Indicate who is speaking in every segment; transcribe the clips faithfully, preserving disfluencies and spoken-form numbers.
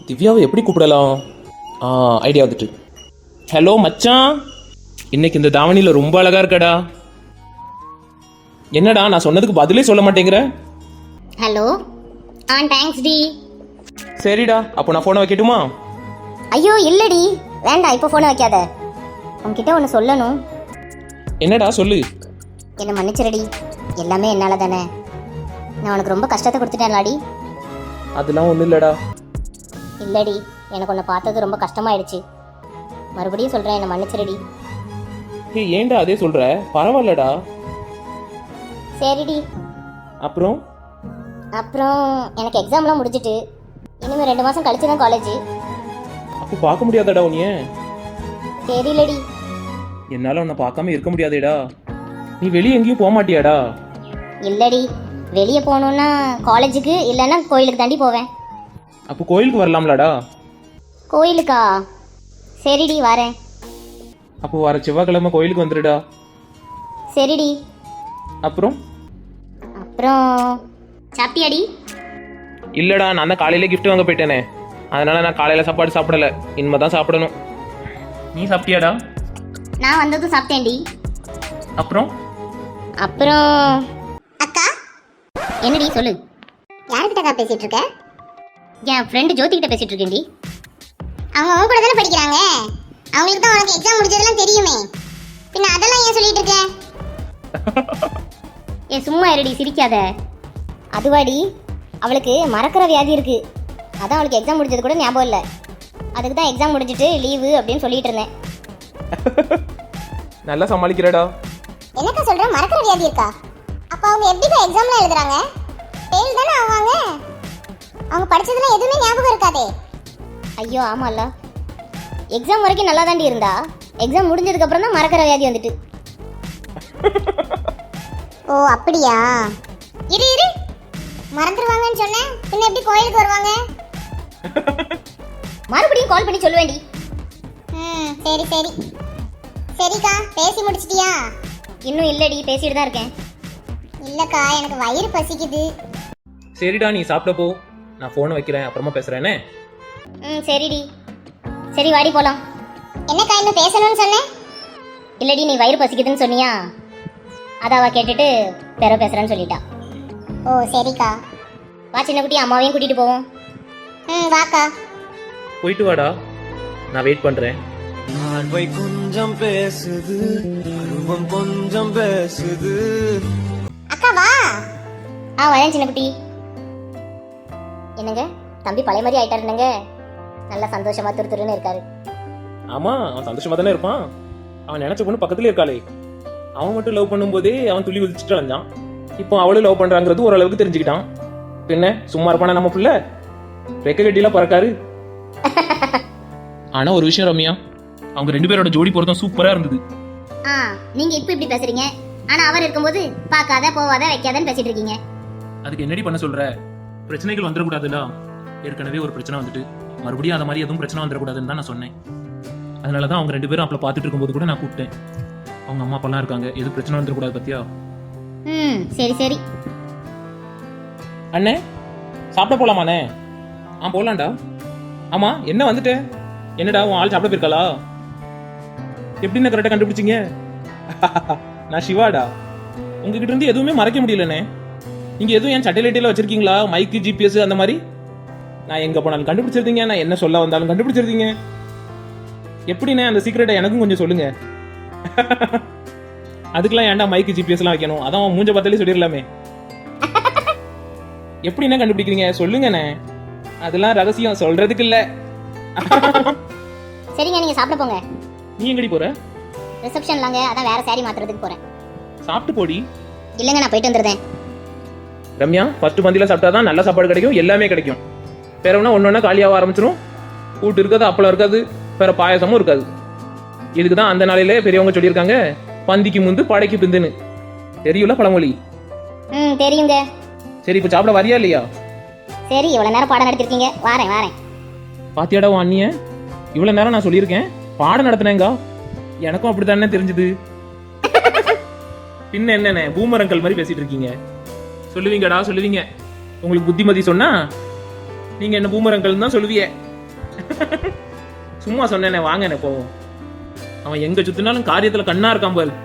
Speaker 1: திவ்யாவை எப்படி கூப்பிடலாம்? ஆ ஐடியா வந்துட்டு. ஹலோ மச்சான், இன்னைக்கு இந்த தாவணியில் ரொம்ப அழகா இருக்கடா. என்னடா நான் சொன்னதுக்கு பதிலே சொல்ல மாட்டேங்கிற?
Speaker 2: ஹலோ. ஆ தேங்க்ஸ் டி.
Speaker 1: சரிடா, அப்போ நான் ஃபோனை வைக்கட்டுமா?
Speaker 2: ஐயோ இல்லடி, வேண்டாம், இப்போ ஃபோனை வைக்காத. உன்கிட்ட ஒன்று சொல்லணும்.
Speaker 1: என்னடா சொல்லு.
Speaker 2: என்னை மன்னிச்சிரடி, எல்லாமே என்னால் தானே. நான் உனக்கு ரொம்ப கஷ்டத்தை கொடுத்துட்டேன்லாடி.
Speaker 1: அதெல்லாம் ஒன்றும் இல்லைடா.
Speaker 2: இல்லடி, எனக்கு உன்னை பார்த்தது ரொம்ப கஷ்டமாயிடுச்சு. மறுபடியும் சொல்கிறேன், என்னை மன்னிச்சிரடி.
Speaker 1: ஏய் ஏன்டா அதே சொல்கிற? பரவாயில்லடா.
Speaker 2: சரிடி.
Speaker 1: அப்புறம்
Speaker 2: அப்புறம் எனக்கு எக்ஸாம்லாம் முடிஞ்சிட்டு இனிமேல் ரெண்டு மாதம் கழிச்சு தான் காலேஜ்.
Speaker 1: அப்போ பார்க்க முடியாதடா உன்னைய?
Speaker 2: தெரியலடி.
Speaker 1: என்னால் உன்னை பார்க்காம இருக்க முடியாதேடா. நீ வெளியே எங்கேயும் போக மாட்டியாடா?
Speaker 2: இல்லடி, வெளியே போகணுன்னா காலேஜுக்கு இல்லைன்னா கோயிலுக்கு தாண்டி போவேன்.
Speaker 1: அப்போ கோயிலுக்கு வரலாம்லடா?
Speaker 2: கோயிலுக்கா? சரிடி வரேன்.
Speaker 1: அப்போ வர செவ்வாய்க்கிழமை கோயிலுக்கு வந்துடுடா.
Speaker 2: சரிடி.
Speaker 1: அப்புறம்
Speaker 2: அப்புறம் சாப்பிட்டியாடி?
Speaker 1: இல்லைடா, நான் தான் காலையிலே கிஃப்ட் வாங்க போயிட்டேனே, அதனால நான் காலையில் சாப்பாடு சாப்பிடல, இனிமே தான் சாப்பிடணும். நீ சாப்பிட்டியாடா?
Speaker 2: நான் வந்ததும் சாப்பிட்டேன்டி.
Speaker 1: அப்புறம்
Speaker 2: அப்புறம் அக்கா. என்னடி சொல்லு. யார்கிட்டக்கா பேசிட்டு இருக்க? என் ஃப்ரெண்டு ஜோதி கிட்ட பேசிட்டு இருக்கேன்டி. அவங்க அவங்க கூட தானே படிக்கிறாங்க, அவங்களுக்கு தான் உனக்கு எக்ஸாம் முடிஞ்சதெல்லாம் தெரியுமே, பின்ன அதெல்லாம் ஏன் சொல்லிட்டு இருக்க? ஏ சும்மா இருடி, சிரிக்காத. அதுவாடி, அவளுக்கு மறக்கிற வியாதி இருக்கு, அதான் அவளுக்கு எக்ஸாம் முடிஞ்சது கூட ஞாபகம் இல்லை. அதுக்கு தான் எக்ஸாம் முடிஞ்சிட்டு லீவு அப்படின்னு சொல்லிட்டு இருந்தேன்.
Speaker 1: நல்லா சமாளிக்கிறடா.
Speaker 2: என்னக்கா சொல்ற, மறக்கிற வியாதி இருக்கா? அப்ப அவங்க எப்படிக்கா எக்ஸாம்ல எழுதுறாங்க? ஃபெயில் தானே ஆவாங்க. அவங்க படிச்சதுல எதுவுமே ஞாபகம் இருக்காதே. ஐயோ ஆமால்ல, எக்ஸாம் வரைக்கும் நல்லா தாண்டி இருந்தா, எக்ஸாம் முடிஞ்சதுக்கு அப்புறம் தான் மறக்கிற வியாதி வந்துட்டு. ஓ அப்படியா? இரு இரு, மறந்துடுவாங்கன்னு சொன்னேன், பின்ன எப்படி கோயிலுக்கு வருவாங்க? மறுபடியும் கால் பண்ணி சொல்லுவேண்டி. ம் சரி சரி. சரிக்கா, பேசி முடிச்சிட்டியா? இன்னும் இல்லடி, பேசிட்டு தான் இருக்கேன். இல்லக்கா, எனக்கு வயிறு பசிக்குது.
Speaker 1: சரிடா, நீ சாப்பிட போ, நான் ஃபோனை வைக்கிறேன், அப்புறமா பேசுறேனே.
Speaker 2: ம் சரிடி. சரி வாடி போலாம். என்னக்கா இன்னும் பேசணும்னு சொன்னேன்? இல்லடி, நீ வயிறு பசிக்குதுன்னு சொன்னியா, அதை அவ கேட்டுட்டு பெற பேசுறேன்னு சொல்லிட்டா. ஓ சரிக்கா. வா சின்ன குட்டி, அம்மாவையும் கூட்டிட்டு போவோம். ம் வாக்கா.
Speaker 1: போயிட்டு வாடா, நான் வெயிட் பண்றேன்.
Speaker 3: பார்வை கொஞ்சம் பேசுது, அருவம் கொஞ்சம் பேசுது.
Speaker 2: அக்கா வா. ஆ வரேன் சின்ன குட்டி. என்னங்க தம்பி பழைய மாதிரி ஆயிட்டாருங்க, நல்லா சந்தோஷமா துரு துருன்னு இருக்காரு.
Speaker 1: ஆமா, அவன் சந்தோஷமா தானே இருப்பான். அவன் நினைச்ச பொண்ணு பக்கத்துல இருக்காளே, அவன் மட்டும் லவ் பண்ணும்போதே அவன் துள்ளி குதிச்சுட்டு அலைஞ்சான். இப்போ அவளும் லவ் பண்றாங்கிறது ஓரளவுக்கு தெரிஞ்சுக்கிட்டான். பின்ன சும்மா இருப்பானா நம்ம பிள்ளை? ரெக்க கட்டிலாம் பறக்காரு. ஆனா ஒரு விஷயம் ரம்யா, அவங்க ரெண்டு பேரோட ஜோடி பொருத்தம் சூப்பரா இருந்தது.
Speaker 2: ஆ நீங்க இப்ப இப்படி பேசுறீங்க, ஆனா அவர் இருக்கும்போது பார்க்காத போவாத வைக்காதன்னு பேசிட்டு இருக்கீங்க.
Speaker 1: அதுக்கு என்னடி பண்ண சொல்ற? பிரச்சனைகள் வந்துடக்கூடாதுல்ல. ஏற்கனவே ஒரு பிரச்சனை வந்துட்டு மறுபடியும் அந்த மாதிரி எதுவும் பிரச்சனை வந்துடக்கூடாதுன்னு தான் நான் சொன்னேன். அதனால தான் அவங்க ரெண்டு பேரும் அப்பல பார்த்துட்டு இருக்கும்போது கூட நான் கூப்பிட்டேன். அவங்க அம்மா அப்பெல்லாம் இருக்காங்க, எதுவும் பிரச்சனை வந்துடக்கூடாது பத்தியா?
Speaker 2: ம் சரி சரி.
Speaker 1: அண்ணே சாப்பிட போலாமாண்ணே? ஆ போலாம்டா. ஆமா என்ன வந்துட்டேன்? என்னடா உன் ஆள் சாப்பிட போயிருக்காளா? எப்படின்னு கரெக்டாக கண்டுபிடிச்சிங்க? நான் சிவாடா. உங்ககிட்ட இருந்து எதுவுமே மறைக்க முடியலண்ணே. நீங்க எதுவும் என் சட்டையில வச்சிருக்கீங்களா? மைக்கு, ஜிபிஎஸ் அந்த மாதிரி? நான் எங்க போனாலும் கண்டுபிடிச்சிருந்தீங்க, நான் என்ன சொல்ல வந்தாலும் கண்டுபிடிச்சிருந்தீங்க. எப்படிண்ணே அந்த சீக்கிரட்டை எனக்கும் கொஞ்சம் சொல்லுங்க. அதுக்கெல்லாம் ஏன்டா மைக்கு, ஜிபிஎஸ் எல்லாம் வைக்கணும்? அதான் மூஞ்ச பார்த்தாலே சொல்லிடலாமே. எப்படிண்ணே கண்டுபிடிக்கிறீங்க சொல்லுங்கண்ணே. அதெல்லாம் ரகசியம், சொல்றதுக்கு இல்ல.
Speaker 2: சரிங்க, நீங்க சாப்பிட போங்க.
Speaker 1: நீ எங்கடி போற?
Speaker 2: ரிசப்ஷன்லாங்க, அதான் வேற சாரி மாத்துறதுக்கு போறேன்.
Speaker 1: சாப்பிட்டு போடி.
Speaker 2: இல்லங்க, நான் போயிட்டு வந்துடுறேன்.
Speaker 1: ரம்யா, ஃபர்ஸ்ட் பந்தியில சாப்பிட்டாதான் நல்ல சாப்பாடு கிடைக்கும், எல்லாமே கிடைக்கும். வேற ஒன்னா ஒன்னொன்னா காலியாக ஆரம்பிச்சிரும். கூட்டு இருக்காது, அப்பளம் இருக்காது, வேற பாயசமும் இருக்காது. இதுக்கு தான் அந்த நாளையிலே பெரியவங்க சொல்லியிருக்காங்க, பந்திக்கு முந்து படைக்கு பிந்துன்னு. தெரியும்ல பழமொழி?
Speaker 2: ம் தெரியுங்க.
Speaker 1: சரி, இப்போ சாப்பிட வரியா இல்லையா?
Speaker 2: சரி, இவ்வளவு நேரம் பாடம் நடத்திருக்கீங்க, வாரேன் வாரேன்.
Speaker 1: பாத்தியாடா உன் அண்ணிய? இவ்வளவு நேரம் நான் சொல்லியிருக்கேன் பாடம் நடத்தினேங்க. எனக்கும் அப்படித்தானே தெரிஞ்சது. பின்ன என்னண்ணே பூமரங்கள் மாதிரி பேசிட்டு இருக்கீங்க? சொல்லுவீங்கடா சொல்லுவீங்க. உங்களுக்கு புத்திமதி சொன்னா நீங்க என்ன பூமரங்கள் தான் சொல்லுவீங்க. சும்மா சொன்னேனே வாங்கண்ணே போவோம். அவன் எங்க சுத்தினாலும் காரியத்துல கண்ணா இருக்கான் பாரு.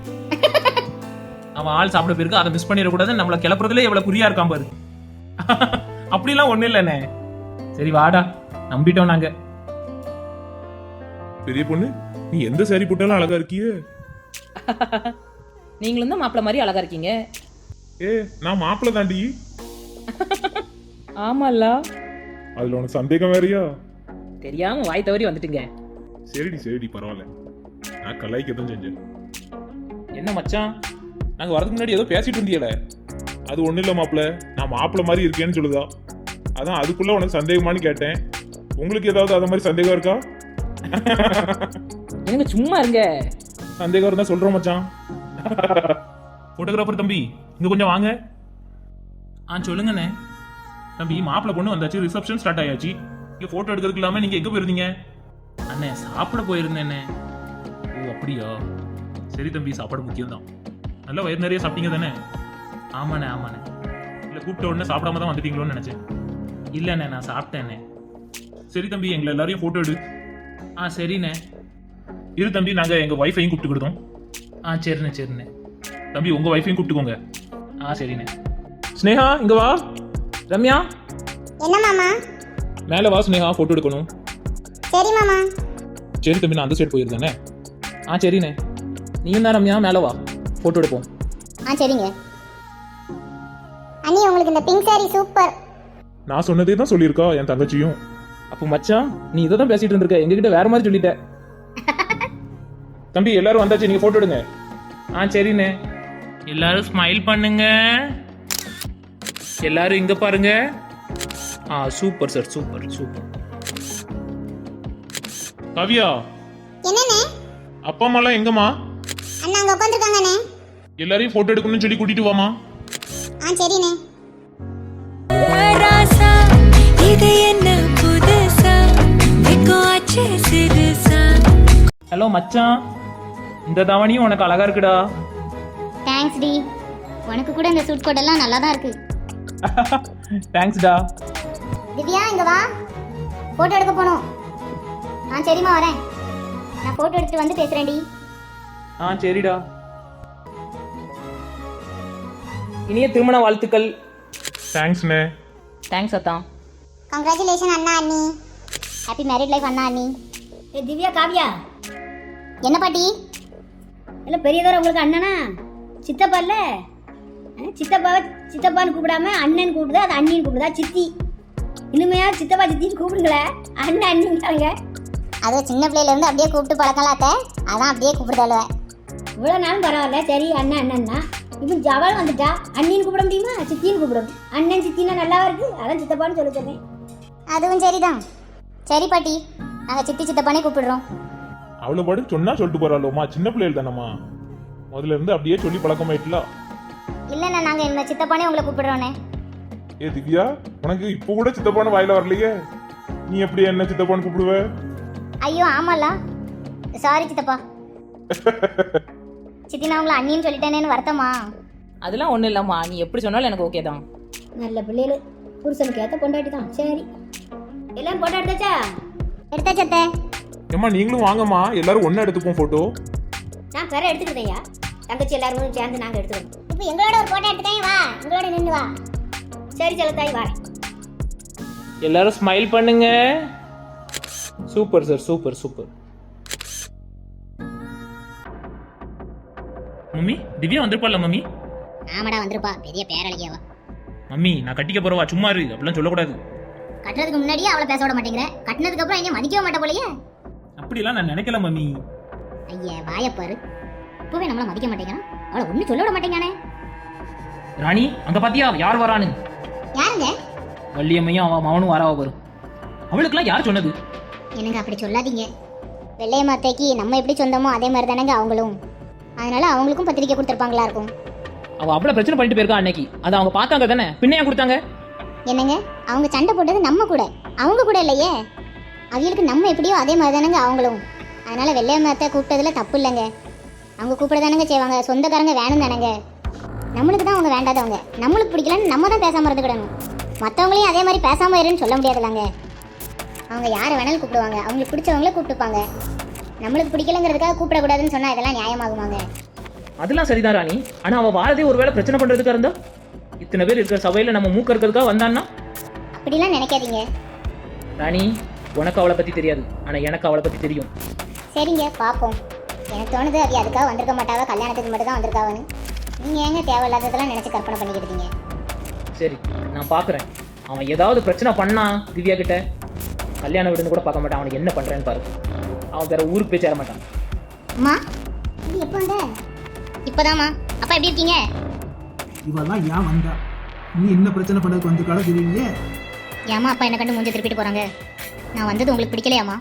Speaker 1: அவன் ஆள் சாப்பிட போயிருக்கு, அதை மிஸ் பண்ணிடக்கூடாது, நம்மளை கிளப்புறதுல எவ்வளவு குறியா இருக்கான் பாரு. அப்படிலாம் ஒண்ணு இல்லைண்ணே. சரி வாடா, நம்பிட்டோம் நாங்க.
Speaker 4: பெரிய பொண்ணு, நீ எந்த சாரி போட்டாலும் அழகா இருக்கியே.
Speaker 5: நீங்களும் தான் மாப்பிள்ள மாதிரி அழகா இருக்கீங்க.
Speaker 4: ஏ, நான் மாப்பிள்ள தாண்டி.
Speaker 5: ஆமால்ல,
Speaker 4: அதுல உனக்கு சந்தேகம் வேறயா?
Speaker 5: தெரியாம வாய் தவறி வந்துட்டுங்க.
Speaker 4: சரிடி சரிடி, பரவாயில்ல. நான் கலாய்க்க தான் செஞ்சேன்.
Speaker 1: என்ன மச்சான், நாங்க வரதுக்கு முன்னாடி ஏதோ பேசிட்டு இருந்தியல.
Speaker 4: அது ஒண்ணு இல்ல மாப்பிள்ள, நான் மாப்பிள்ள மாதிரி இருக்கேன்னு சொல்லுதா. அதான் அதுக்குள்ள உனக்கு சந்தேகமானு கேட்டேன். உங்களுக்கு ஏதாவது அத மாதிரி சந்தேகம் இருக்கா?
Speaker 5: நீங்க சும்மா இருங்க.
Speaker 4: சந்தேகம் இருந்தா சொல்றோம் மச்சான்.
Speaker 1: போட்டோகிராஃபர் தம்பி, இங்க கொஞ்சம் வாங்க. ஆ சொல்லுங்கண்ணே. தம்பி, மாப்பிள்ளை பொண்ணு வந்தாச்சு, ரிசப்ஷன் ஸ்டார்ட் ஆயாச்சு. இங்க போட்டோ எடுக்கிறதுக்கு இல்லாம நீங்க எங்க போயிருந்தீங்க? அண்ணே சாப்பிட போயிருந்தேண்ணே. ஓ அப்படியா, சரி தம்பி, சாப்பாடு முக்கியம் தான். நல்லா வயிறு நிறைய சாப்பிட்டீங்க தானே? ஆமாண்ணே ஆமாண்ணே. இல்லை கூப்பிட்ட உடனே சாப்பிடாம தான் வந்துட்டீங்களோன்னு நினைச்சேன். இல்லைண்ணே, நான் சாப்பிட்டேண்ணே. சரி தம்பி, எங்களை எல்லாரையும் போட்டோ எடு. ஆ சரிண்ணே. இரு தம்பி, நாங்கள் எங்கள் ஒய்ஃபையும் கூப்பிட்டுக்கிட்டோம். ஆ சரிண்ணே சரிண்ணே. தம்பி, உங்கள் ஒய்ஃபையும் கூப்பிட்டுக்கோங்க. ஆ சரிண்ணே. ஸ்னேகா இங்க வா. ரம்யா
Speaker 2: என்ன மாமா?
Speaker 1: மேலே வா ஸ்னேகா, ஃபோட்டோ எடுக்கணும்.
Speaker 2: சரி மாமா.
Speaker 1: சரி தம்பி, நான் அந்த சைடு போயிருந்தேனே. ஆ சரிண்ணே. நீயும் தான் ரம்யா, மேலே வா, ஃபோட்டோ எடுப்போம்.
Speaker 2: ஆ சரிங்க. அண்ணி, உங்களுக்கு இந்த பிங்க் சாரி சூப்பர்.
Speaker 4: நான் சொன்னதே தான் சொல்லியிருக்கா என் தங்கச்சியும்.
Speaker 1: அப்போ மச்சான், நீ இதை தான் பேசிட்டு இருந்திருக்க, எங்ககிட்ட வேற மாதிரி சொல்லிட்ட. தம்பி, எல்லாரும் வந்தாச்சு, நீங்க போட்டோ எடுங்க. ஆ சரிண்ணே. எல்லாரும் ஸ்மைல் பண்ணுங்க. எல்லாரும் இங்க பாருங்க. ஆ super sir, super super.
Speaker 4: Kaviya,
Speaker 2: என்னண்ணே?
Speaker 4: அப்பா அம்மா எல்லாம் எங்கம்மா?
Speaker 2: அண்ணா அங்க உட்காந்துருக்காங்கண்ணே.
Speaker 4: எல்லாரையும் போட்டோ எடுக்கணும்னு சொல்லி கூட்டிட்டு வாமா.
Speaker 2: ஆ சரிண்ணே.
Speaker 6: ராசா இது என்ன புதுசா வெக்கோ ஆச்சு சிறுசா.
Speaker 1: ஹலோ மச்சான், இந்த தவணையும் உனக்கு அழகா இருக்குடா.
Speaker 2: தேங்க்ஸ் டி. உனக்கு கூட இந்த சூட் கோட் எல்லாம் நல்லா தான் இருக்கு.
Speaker 1: தேங்க்ஸ்டா.
Speaker 2: திவ்யா இங்க வா, போட்டோ எடுக்க போகணும். ஆ சரிம்மா, வரேன். நான் போட்டோ எடுத்துட்டு வந்து பேசுறேன் டி.
Speaker 1: ஆ சரிடா. இனிய திருமண வாழ்த்துக்கள்.
Speaker 4: தேங்க்ஸ்ண்ணே.
Speaker 5: தேங்க்ஸ் அத்தான்.
Speaker 2: கங்க்ராச்சுலேஷன் அண்ணா அண்ணி. ஹாப்பி மேரிட் லைஃப் அண்ணா அண்ணி.
Speaker 7: ஏ திவ்யா, காவியா,
Speaker 2: என்ன பாட்டி?
Speaker 7: இல்லை பெரியதோர உங்களுக்கு அண்ணனா? சித்தப்பா இல்லை? சித்தப்பாவை சித்தப்பான்னு கூப்பிடாம அண்ணன் கூப்பிடுதா, அது அண்ணின்னு கூப்பிடுதா? சித்தி இனிமையா சித்தப்பா சித்தின்னு கூப்பிடுங்களே, அண்ணன் அண்ணிங்க.
Speaker 2: அது சின்ன பிள்ளையில இருந்து அப்படியே கூப்பிட்டு பழக்கலாத்த, அதான் அப்படியே கூப்பிடுதால.
Speaker 7: இவ்வளோ நாளும் பரவாயில்ல, சரி அண்ணன் அண்ணன் தான். இப்போ ஜவால் வந்துட்டா, அண்ணின்னு கூப்பிட முடியுமா? சித்தின்னு கூப்பிடணும். அண்ணன் சித்தின்னா நல்லாவா இருக்கு, அதான் சித்தப்பான்னு சொல்ல சொன்னேன்.
Speaker 2: அதுவும் சரிதான். சரி பாட்டி, நாங்கள் சித்தி சித்தப்பானே கூப்பிடுறோம்.
Speaker 4: அவ்வளோ பாடு சொன்னா சொல்லிட்டு போறாளோமா, சின்ன பிள்ளைகள் தானம்மா. முதல்ல இருந்து அப்படியே சொல்லி பழக்கமாயிட்டல.
Speaker 2: இல்லைண்ணா, நாங்கள் என்ன சித்தப்பானே உங்களை கூப்பிடுறோண்ணே.
Speaker 4: ஏ திவ்யா, உனக்கு இப்போ கூட சித்தப்பான்னு வாயில வரலையே. நீ எப்படி என்ன சித்தப்பான்னு கூப்பிடுவ?
Speaker 2: ஐயோ ஆமால, சாரி சித்தப்பா. சித்தி, நான் உங்களை அண்ணின்னு சொல்லிட்டேனேன்னு வருத்தமா?
Speaker 5: அதெல்லாம் ஒன்றும் இல்லைம்மா, நீ எப்படி சொன்னாலும் எனக்கு ஓகே தான்.
Speaker 7: நல்ல பிள்ளைகள், புருஷனுக்கு ஏற்ற கொண்டாடி தான். சரி, எல்லாம் போட்டோ எடுத்தாச்சா?
Speaker 2: எடுத்தாச்சத்தே.
Speaker 4: ஏம்மா நீங்களும் வாங்கம்மா, எல்லாரும் ஒண்ணா எடுத்துப்போம் போட்டோ.
Speaker 7: நான் கரை எடுத்துக்கிட்டேயா, தங்கச்சி எல்லாரும் சேர்ந்து நாங்கள் எடுத்துக்கிறோம்.
Speaker 2: இப்போ எங்களோட ஒரு போட்டோ எடுத்துட்டேன், வா எங்களோட நின்று வா.
Speaker 7: சரி செல்லத்தாய், வரேன்.
Speaker 1: எல்லாரும் ஸ்மைல் பண்ணுங்க. Super sir, super super. Mummy, Divya வந்திருப்பாள்ல மம்மி?
Speaker 2: ஆமாடா வந்திருப்பா, பெரிய பேரழகியாவா.
Speaker 1: மம்மி, நான் கட்டிக்க போறவா, சும்மா இரு, அப்படிலாம் சொல்லக்கூடாது.
Speaker 2: கட்டுறதுக்கு முன்னாடியே அவளை பேச விட மாட்டேங்கிற, கட்டினதுக்கு அப்புறம் இங்கே மதிக்கவே மாட்ட போலயே.
Speaker 1: அப்படிலாம் நான் நினைக்கல மம்மி.
Speaker 2: ஐயா வாயப்பாரு, இப்பவே நம்மள மதிக்க மாட்டேங்கிறான், அவளை ஒன்றும் சொல்ல விட மாட்டேங்கானே.
Speaker 1: ராணி, அங்க பாத்தியா யார் வரானு?
Speaker 2: யாருங்க?
Speaker 1: வள்ளியம்மையும் அவ மவனும் வரவா வரும். அவளுக்குலாம் யார் சொன்னது?
Speaker 2: என்னங்க அப்படி சொல்லாதீங்க. வெள்ளையம்மாத்தைக்கு நம்ம எப்படி சொந்தமோ அதே மாதிரி தானேங்க அவங்களும். அதனால அவங்களுக்கும் பத்திரிக்கை கொடுத்துருப்பாங்களா இருக்கும்.
Speaker 1: அவ அவ்வளவு பிரச்சனை பண்ணிட்டு போயிருக்கா அன்னைக்கு, அதை அவங்க பார்த்தாங்க தானே, பின்னையா கொடுத்தாங்க?
Speaker 2: என்னங்க, அவங்க சண்டை போட்டது நம்ம கூட, அவங்க கூட இல்லையே. அவங்களுக்கு நம்ம எப்படியோ அதே மாதிரி தானேங்க அவங்களும். அதனால வெள்ளையம்மாத்தை கூப்பிட்டதுல தப்பு இல்லைங்க. அவங்க கூப்பிட தானேங்க செய்வாங்க, சொந்தக்காரங்க வேணும் தானேங்க. நம்மளுக்கு தான் அவங்க வேண்டாதவங்க, நம்மளுக்கு பிடிக்கலன்னு நம்ம தான் பேசாமல் இருந்துக்கிடணும். மற்றவங்களையும் அதே மாதிரி பேசாமல் இருன்னு சொல்ல முடியாதுலாங்க. அவங்க யாரை வேணாலும் கூப்பிடுவாங்க, அவங்களுக்கு பிடிச்சவங்கள கூப்பிட்டுப்பாங்க. நம்மளுக்கு பிடிக்கலங்கிறதுக்காக கூப்பிடக்கூடாதுன்னு சொன்னா இதெல்லாம் நியாயமாகுமாங்க?
Speaker 5: அதெல்லாம் சரிதான் ராணி. ஆனா அவன் வாரதே ஒருவேளை பிரச்சனை பண்றதுக்கா இருந்தா, இத்தனை பேர் இருக்கிற சபையில நம்ம மூக்க இருக்கிறதுக்காக வந்தான்னா?
Speaker 2: அப்படிலாம் நினைக்காதீங்க.
Speaker 5: ராணி, உனக்கு அவளை பத்தி தெரியாது, ஆனா எனக்கு அவளை பத்தி தெரியும்.
Speaker 2: சரிங்க, பார்ப்போம். எனக்கு தோணுது அது அதுக்காக வந்திருக்க மாட்டாவ, கல்யாணத்துக்கு மட்டும் தான் வந்திருக்காவன்னு. நீங்க ஏங்க தேவையில்லாததெல்லாம் நினைச்சு கற்பனை பண்ணிக்கிட்டீங்க?
Speaker 5: சரி, நான் பாக்குறேன். அவன் ஏதாவது பிரச்சனை பண்ணா திவ்யா கிட்ட, கல்யாண வீடுன்னு கூட பார்க்க மாட்டான். அவனுக்கு என்ன பண்றேன்னு பாரு. அவன் வேற ஊருக்கு போய் சேர மாட்டான்.
Speaker 2: அம்மா, இது எப்போ வந்த? இப்போதாம்மா. அப்பா எப்படி இருக்கீங்க?
Speaker 8: இவெல்லாம் ஏன் வந்தா? நீ என்ன பிரச்சனை பண்ணதுக்கு வந்திருக்காளோ தெரியலையே.
Speaker 2: ஏம்மா அப்பா என்ன கண்டு மூஞ்ச திருப்பிட்டு போறாங்க? நான் வந்தது உங்களுக்கு பிடிக்கலையாம்மா?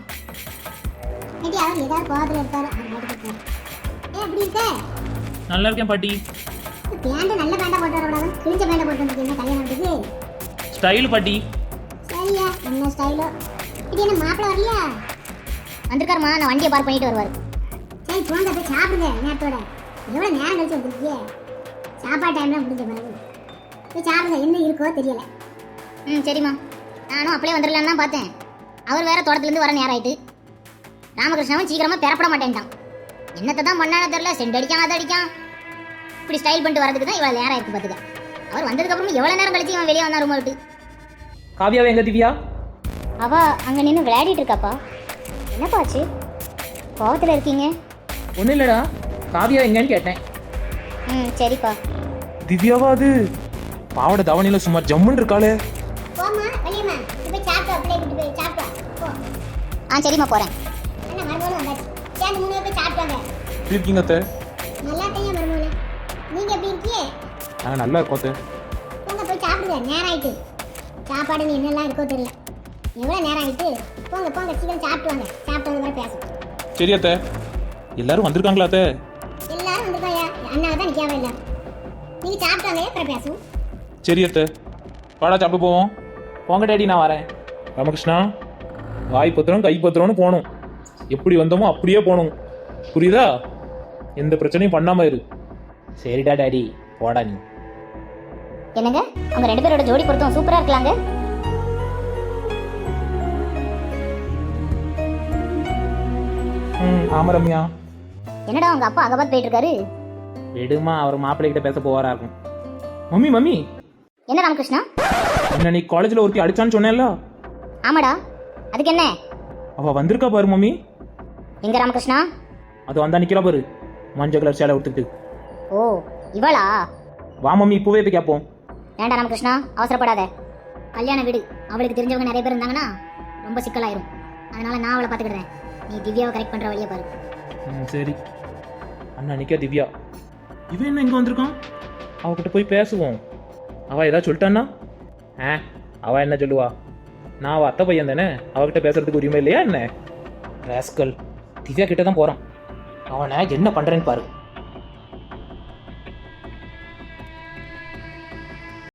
Speaker 2: ஏடி அவர் ஏதாவது கோவத்துல இருக்காரு. அவர் போட்டு இருக்காரு. ஏ எப்படி இருக்க?
Speaker 1: நல்லா இருக்கேன் பாட்டி.
Speaker 2: பேண்ட் நல்ல பேண்டா போட்டு வரக்கூடாது, கிழிஞ்ச பேண்டா போட்டு வந்திருக்கீங்க கல்யாணத்துக்கு.
Speaker 1: ஸ்டைல் பாட்டி.
Speaker 2: சரியா, என்ன ஸ்டைலோ. இது என்ன மாப்பிள்ள வரலையா? வந்திருக்காருமா, நான் வண்டியை பார்க் பண்ணிட்டு வருவாரு. சரி போங்க, போய் சாப்பிடுங்க நேரத்தோட. எவ்வளோ நேரம் கழிச்சு வந்துருக்கீங்க? சாப்பாடு டைம்லாம் முடிஞ்ச பிறகு போய் சாப்பிடுங்க, என்ன இருக்கோ தெரியல. ம் சரிம்மா. நானும் அப்படியே வந்துடலான்னு தான் பார்த்தேன். அவர் வேற தோட்டத்துலேருந்து வர நேரம் ஆயிட்டு. ராமகிருஷ்ணாவும் சீக்கிரமாக பெறப்பட மாட்டேன்ட்டான். என்னத்தை தான் பண்ணானோ தெரியல, சென்ட் அடிக்கான் அதை அடிக்கான். இப்படி ஸ்டைல் பண்ணிட்டு வரதுக்கு தான் இவ்வளோ நேரம் ஆயிருக்கு பார்த்துக்க. அவர் வந்ததுக்கப்புறம் எவ்வளோ நேரம் கழிச்சு இவன் வெளியே வந்தா ரூமை விட்டு.
Speaker 5: காவியாவை எங்க திவ்யா?
Speaker 2: அவ அங்கே நின்று விளையாடிட்டு இருக்காப்பா. என்னப்பா ஆச்சு? கோவத்தில் இருக்கீங்க?
Speaker 5: ஒன்றும் இல்லைடா, காவியா எங்கன்னு கேட்டேன்.
Speaker 2: ம் சரிப்பா.
Speaker 1: திவ்யாவா அது? பாவட தவணையில சும்மா ஜம்முன்னு இருக்காளே.
Speaker 2: போம்மா, வெளியம்மா. போய் சாப்பிட்டு அப்படியே விட்டு போய் சாப்பிட்டு போ. ஆ சரிம்மா, போகிறேன். அண்ணா மருமகளும் வந்தாச்சு. சேர்ந்து மூணு பேர் போய் சாப்பிட்டாங்க.
Speaker 1: எப்படி இருக்கீங்க அத்தை?
Speaker 2: நல்லா இருக்கீங்க மருமகளே. நீங்கள் எப்படி இருக்கீங்க?
Speaker 1: நாங்கள் நல்லா இருக்கோம் அத்தை.
Speaker 2: போங்க போய் சாப்பிடுங்க, நேரம் ஆயிட்டு. சாப்பாடு என்னெல்லாம் இருக்கோ தெரியல. எவ்வளோ நேரம் ஆயிட்டு? போங்க போங்க, சீக்கிரம் சாப்பிட்டு வாங்க. சாப்பிட்டு வந்து வரை பேசும்.
Speaker 1: சரி அத்தை. எல்லாரும் வந்திருக்காங்களா அத்தை?
Speaker 2: எல்லாரும் வந்துருக்காயா? அண்ணாவை தான் நிற்காம இல்லை. நீங்கள் சாப்பிட்டு வாங்க, அப்புறம் பேசும்.
Speaker 1: சரி அத்தை. வாடா சாப்பிட்டு போவோம். போங்க டேடி, நான் வரேன். ராமகிருஷ்ணா, வாய் பத்திரம் கை பத்திரம்னு போகணும். எப்படி வந்தோமோ அப்படியே போகணும், புரியுதா? எந்த பிரச்சனையும் பண்ணாம இரு.
Speaker 5: சரிடா டாடி, போடா நீ.
Speaker 2: என்னங்க, அவங்க ரெண்டு பேரோட ஜோடி பொருத்தம் சூப்பரா இருக்கலாங்க.
Speaker 1: ம் ஆமா ரம்யா.
Speaker 2: என்னடா உங்க அப்பா அகபாத் போயிட்டு இருக்காரு?
Speaker 5: விடுமா, அவர் மாப்பிள்ளை கிட்ட பேச போவாரா இருக்கும்.
Speaker 1: மம்மி மம்மி,
Speaker 2: என்ன ராமகிருஷ்ணா?
Speaker 1: என்ன நீ காலேஜில் ஒருத்தி அடிச்சான்னு சொன்னேன்ல,
Speaker 2: ஆமாடா, அதுக்கு என்ன?
Speaker 1: அவ வந்திருக்கா பாரு மம்மி.
Speaker 2: எங்க ராமகிருஷ்ணா?
Speaker 1: அது வந்தா நிக்கிறா பாரு, மஞ்சள் கலர் சேலை எடுத்துக்கிட்டு.
Speaker 2: ஓ இவளா?
Speaker 1: வா மம்மி, இப்பவே போய் கேட்போம்.
Speaker 2: வேண்டாம் ராமகிருஷ்ணா, அவசரப்படாத. கல்யாண வீடு, அவளுக்கு தெரிஞ்சவங்க நிறைய பேர் இருந்தாங்கன்னா ரொம்ப சிக்கலாயிரும். அதனால நான் அவளை பார்த்துக்கிடுறேன். நீ திவ்யாவை கரெக்ட் பண்ற வழியை பாரு.
Speaker 1: ம் சரி. அண்ணா நிக்க திவ்யா. இவன் என்ன இங்க வந்திருக்கான்? அவகிட்ட போய் பேசுவோம். அவ ஏதாவது சொல்லிட்டான்னா? ஆ அவ என்ன சொல்லுவா? நான் அவ அத்தை பையன் தானே, அவகிட்ட பேசுறதுக்கு உரிமை இல்லையா என்ன?
Speaker 5: ராஸ்கல், திவ்யா கிட்ட தான் போறான். அவனை என்ன பண்றேன்னு பாரு.